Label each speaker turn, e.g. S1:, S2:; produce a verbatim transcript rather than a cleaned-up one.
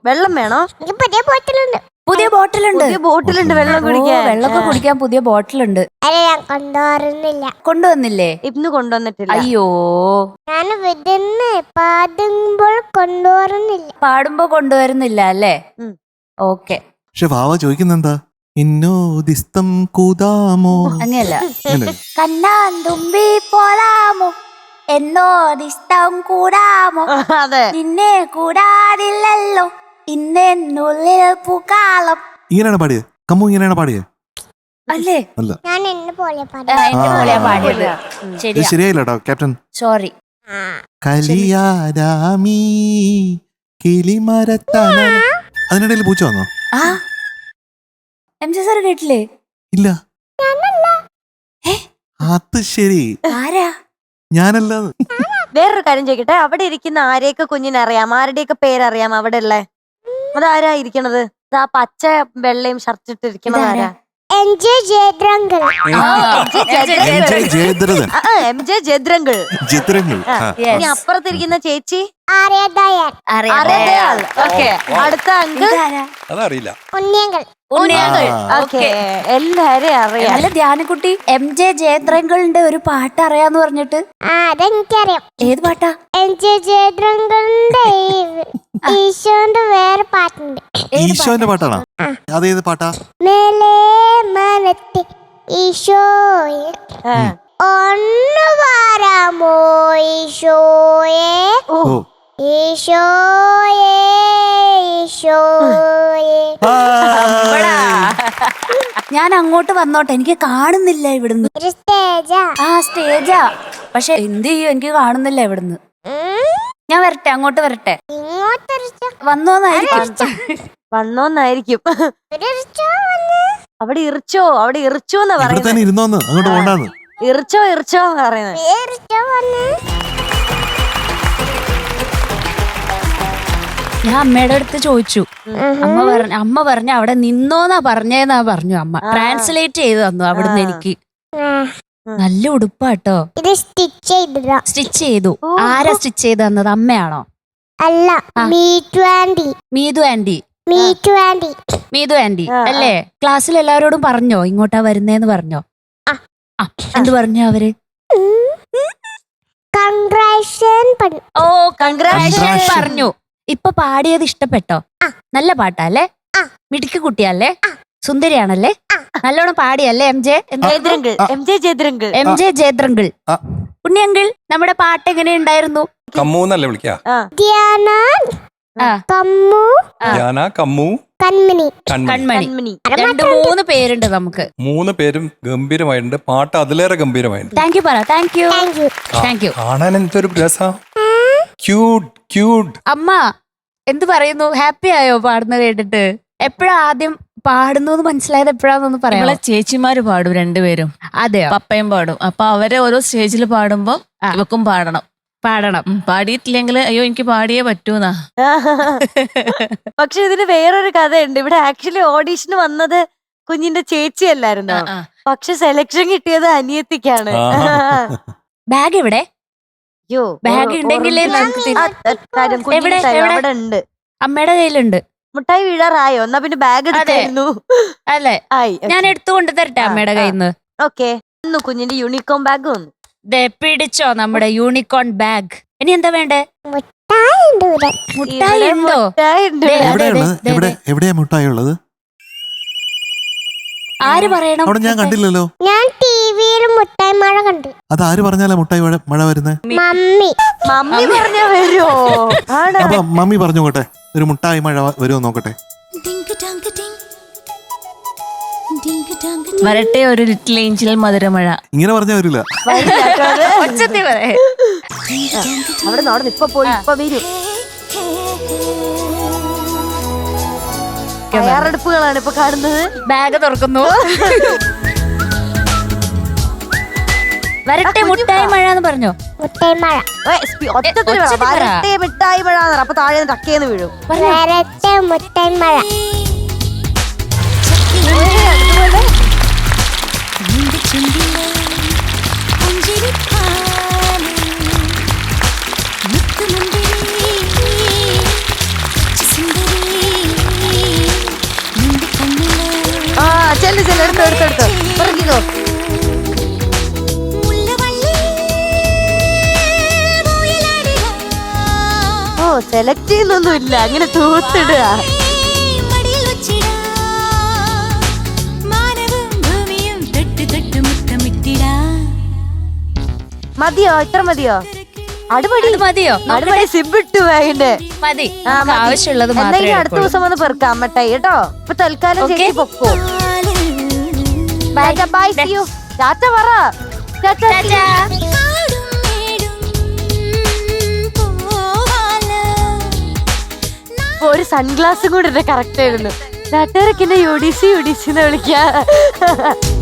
S1: വെള്ളം വേണോ?
S2: പുതിയ ബോട്ടിലുണ്ട്.
S3: പുതിയ ബോട്ടിലുണ്ട്.
S1: പുതിയ ബോട്ടിലുണ്ട് വെള്ളം കുടിക്കാൻ.
S3: വെള്ളമൊക്കെ കുടിക്കാൻ പുതിയ ബോട്ടിലുണ്ട്.
S2: അല്ല ഞാൻ കൊണ്ടുവരുന്നില്ല.
S3: കൊണ്ടുവന്നില്ലേ?
S1: ഇന്ന് കൊണ്ടുവന്നിട്ടില്ല.
S3: അയ്യോ,
S2: ഞാൻ വിടുന്ന് പാടുമ്പോൾ കൊണ്ടുവരുന്നില്ല.
S3: പാടുമ്പോ കൊണ്ടുവരുന്നില്ല അല്ലേ? ഓക്കെ.
S4: പക്ഷെ വാവ ചോദിക്കുന്നെന്താ? ഇന്നോദിസ്തം കൂതാമോ?
S3: അങ്ങനെയല്ല. കണ്ണാൻ തുമ്പി പോലാമോ എന്നോദിഷ്ടം കൂടാമോ?
S1: അതെ.
S3: നിന്നെ കൂടാതില്ലല്ലോ ഇന്നുള്ളിൽ പൂക്കാലം.
S4: ഇങ്ങനെയാണ് പാടിയത്. കമ്മു ഇങ്ങനെയാണ് പാടിയത്
S3: അല്ലേ?
S4: അല്ല,
S2: ഞാൻ എന്നെ പോലെ
S3: ആ, എന്റെ പോലെയാ പാടിയത്.
S4: ഇത്
S3: ശരിയാ,
S4: ശരിയായില്ല കേട്ടോ ക്യാപ്റ്റൻ.
S3: സോറി.
S4: കലിയാരാമീ കിളിമരത്താന. അതിനിടയിൽ പൂച്ച വന്നോ?
S3: ആ എം ജെ സാർ കേട്ടില്ലേ?
S4: ഇല്ല. അത് ശരി,
S3: ആരാ?
S4: ഞാനല്ല.
S1: വേറൊരു കാര്യം ചോദിക്കട്ടെ, അവിടെ ഇരിക്കുന്ന ആരെയൊക്കെ കുഞ്ഞിനറിയാം? ആരുടെയൊക്കെ പേരറിയാം അവിടെ ഉള്ള? അതാരാ ഇരിക്കണത്? ആ പച്ച വെള്ളയും ഷർട്ട് ഇട്ടിരിക്കണത് ആരാ?
S2: എം ജെ ജയദ്രങ്കൽ.
S1: എം ജെ ജയദ്രങ്കിൾ. ഇനി അപ്പുറത്തിരിക്കുന്ന ചേച്ചി
S2: ആര്യദയാൽ.
S1: അറിയാം. ഓക്കെ. അടുത്ത അങ്കിൾ
S5: അതറിയില്ല.
S2: ഉണ്ണിയങ്കൽ.
S1: ഉണ്ണിയങ്കിൾ. ഓക്കെ, എല്ലാരെയും അറിയാം.
S3: അല്ല ധ്യാനക്കുട്ടി, എം ജെ ജയദ്രങ്കളിന്റെ ഒരു പാട്ട് അറിയാന്ന് പറഞ്ഞിട്ട്.
S2: ആ അതെനിക്കറിയാം.
S3: ഏത് പാട്ടാ?
S2: എം ജെ ജയദ്രങ്കലിന്റെ ഈശോന്റെ വേറെ പാട്ടുണ്ട്.
S4: ഈശോന്റെ പാട്ടാണോ? അതേത് പാട്ടാ?
S2: മേലേ മനത്തെ ഈശോയെ ഒന്ന് വാരാമോ ഈശോയെ,
S4: ഓ,
S2: ഈശോയെ ഈശോയെ.
S3: ഞാൻ അങ്ങോട്ട് വന്നോട്ടെ, എനിക്ക് കാണുന്നില്ല ഇവിടുന്ന്.
S2: ഒരു സ്റ്റേജാ.
S3: ആ സ്റ്റേജാ, പക്ഷെ എന്ത് ചെയ്യും, എനിക്ക് കാണുന്നില്ല ഇവിടുന്ന്. ഞാൻ വരട്ടെ, അങ്ങോട്ട് വരട്ടെ.
S2: ഇങ്ങോട്ടൊരു
S3: വന്നോന്നായിരിക്കും.
S1: വന്നോന്നായിരിക്കും. അവിടെ ഇറിച്ചോ, അവിടെ ഇറിച്ചോ എന്നാ
S4: ഇവിടെ
S1: പറയുന്നത്.
S4: തന്നെ ഇരുന്നോന്ന്, അങ്ങോട്ട് പോണ്ടാന്ന്.
S1: ഇറിച്ചോ ഇറിച്ചോ പറയുന്നത്.
S3: ഞാൻ അമ്മയുടെ അടുത്ത് ചോദിച്ചു. അമ്മ പറഞ്ഞ അമ്മ പറഞ്ഞ അവിടെ നിന്നോന്നാ പറഞ്ഞേന്നാ പറഞ്ഞു അമ്മ. ട്രാൻസ്ലേറ്റ് ചെയ്ത് തന്നു അവിടുന്ന് എനിക്ക്. നല്ല ഉടുപ്പാട്ടോ.
S2: ഇത് സ്റ്റിച്ച് ചെയ്തതാ.
S3: സ്റ്റിച്ച് ചെയ്തു. ആരാ സ്റ്റിച്ച് ചെയ്ത് തന്നത്? അമ്മയാണോ?
S2: അല്ല, Meethu aunty.
S3: Meethu aunty.
S2: Meethu aunty.
S3: Meethu aunty അല്ലേ? ക്ലാസ്സിൽ എല്ലാവരോടും പറഞ്ഞോ ഇങ്ങോട്ടാ വരുന്നേന്ന് പറഞ്ഞോ? ആ, എന്ത് പറഞ്ഞു അവര്?
S2: കൺഗ്രാറ്റുലേഷൻ പറഞ്ഞു.
S3: ഓ, കൺഗ്രാറ്റുലേഷൻ പറഞ്ഞു. ഇപ്പൊ പാടിയത് ഇഷ്ടപ്പെട്ടോ? നല്ല പാട്ടല്ലേ? മിടുക്കി കുട്ടിയല്ലേ? സുന്ദരിയാണല്ലേ? നല്ലോണം പാടിയല്ലേ? എം ജെ
S1: ജയദ്രങ്കിൾ. എം ജെ ജയദ്രങ്കിൾ.
S3: എം ജെ ജയദ്രങ്കിൾ. ഉണ്ണിയങ്കിൾ, നമ്മുടെ പാട്ട് എങ്ങനെ ഉണ്ടായിരുന്നു?
S5: കമ്മൂന്നല്ലേ വിളിക്കാ?
S2: ധ്യാന, കമ്മു,
S5: ധ്യാന, കമ്മു,
S2: കൺമണി.
S3: കൺമണി.
S1: കൺമണി.
S3: രണ്ട് മൂന്ന് പേരുണ്ട് നമുക്ക്.
S5: മൂന്ന് പേരും ഗംഭീരമായിട്ടുണ്ട്. പാട്ട് അതിലേറെ ഗംഭീരമായിട്ടുണ്ട്.
S3: താങ്ക് യു പറ. Thank you.
S2: Thank you.
S3: Thank you.
S5: കാണാൻ എന്തൊരു രസാ. Cute cute.
S3: അമ്മ എന്ത് പറയുന്നു? ഹാപ്പി ആയോ പാടുന്നത് കേട്ടിട്ട്? എപ്പോഴാ ആദ്യം പാടുന്നു മനസ്സിലായത്? എപ്പോഴാന്നൊന്ന് പറയാം.
S6: നമ്മളെ ചേച്ചിമാര് പാടും രണ്ടുപേരും.
S3: അതെയോ?
S6: പപ്പയും പാടും. അപ്പൊ അവരെ ഓരോ സ്റ്റേജിൽ പാടുമ്പോ ഇവക്കും പാടണം.
S3: പാടണം.
S6: പാടിയിട്ടില്ലെങ്കിൽ അയ്യോ എനിക്ക് പാടിയേ പറ്റൂന്നാ.
S1: പക്ഷെ ഇതിന് വേറൊരു കഥയുണ്ട്. ഇവിടെ ആക്ച്വലി ഓഡീഷന് വന്നത് കുഞ്ഞിന്റെ ചേച്ചി അല്ലായിരുന്നു. പക്ഷെ സെലക്ഷൻ കിട്ടിയത് അനിയത്തിക്കാണ്.
S3: ബാഗ് എവിടെ?
S1: അയ്യോ,
S3: ബാഗ് ഉണ്ടെങ്കിലേ നമുക്ക്
S1: അവിടെ ഉണ്ട്.
S3: അമ്മയുടെ കയ്യിലുണ്ട്.
S1: മുട്ടായി വീഴാറായോ? എന്നാ പിന്നെ ബാഗ് എടുത്തായിരുന്നു.
S3: അല്ലേ? ഞാൻ എടുത്തുകൊണ്ട് തരട്ടെ അമ്മയുടെ കയ്യിൽ നിന്ന്.
S1: ഓക്കെ, കുഞ്ഞിന്റെ യൂണിക്കോൺ ബാഗ് വന്നു.
S3: പിടിച്ചോ നമ്മുടെ യൂണിക്കോൺ ബാഗ്. ഇനി എന്താ വേണ്ടേ? മുട്ടായി ഉണ്ടോ?
S4: എവിടെയാ മുട്ടായി ഉള്ളത്?
S3: ആര് പറയണം?
S4: അവിടെ ഞാൻ കണ്ടില്ലല്ലോ.
S2: ഞാൻ ടിവിയിൽ മുട്ടായി മഴ കണ്ടു.
S4: അത് ആര് പറഞ്ഞാലാ മുട്ടായി മഴ വരുന്നേ?
S2: മമ്മി.
S1: മമ്മി പറഞ്ഞാ വരുമോ?
S4: അപ്പൊ മമ്മി പറഞ്ഞു നോക്കട്ടെ, ഒരു മുട്ടായി മഴ വരുമോ നോക്കട്ടെ.
S6: വരട്ടെ ഒരു ലിറ്റിൽ ഏഞ്ചൽ മധുരമഴ.
S4: ഇങ്ങനെ പറഞ്ഞാ വരില്ല.
S1: അവിടെ അവിടെ ഇപ്പൊ പോയി ഇപ്പൊ വരും. തയ്യാറെടുപ്പുകളാണ് ഇപ്പൊ കാണുന്നത്.
S3: ബാഗ് തുറക്കുന്നു. വരട്ടെ മുട്ടായി മഴ എന്ന് പറഞ്ഞോ?
S2: മുട്ടായി മഴ.
S1: വരട്ടെ മിഠായി മഴ. അപ്പൊ താഴെ ടക്കേന്ന് വീഴും.
S2: വരട്ടെ മുട്ടായി മഴ.
S7: സുന്ദരി
S1: എടുത്തോ എടുത്തോ എടുത്തോ പറഞ്ഞോ. ഓ സെലക്ട് ചെയ്യുന്നൊന്നും ഇല്ല, അങ്ങനെ തൂത്തിടുക. മതിയോ? ഇത്ര മതിയോ? അടുപടി
S3: അത് മതിയോ?
S1: അടുപടി സിബിട്ടു അതിന്റെ.
S3: മതി,
S1: ആ,
S3: നമുക്ക്
S1: മതി.
S3: ആവശ്യമുള്ളത്
S1: എന്തെങ്കിലും
S3: മാത്രമേ
S1: അടുത്ത ദിവസം വന്ന് പെറുക്കാം മട്ടായി കേട്ടോ. ഇപ്പൊ തൽക്കാലം
S3: Okay.
S1: ചേച്ചി പൊക്കോ. Bye bye, see you. ടാറ്റ പറ. ടാറ്റ.
S3: ടാറ്റാ.
S1: ഒരു സൺഗ്ലാസും കൂടെ കറക്റ്റ് ആയിരുന്നു. നാട്ടുകാരൊക്കെ എന്നെ U D C U D C എന്ന് വിളിക്കാ.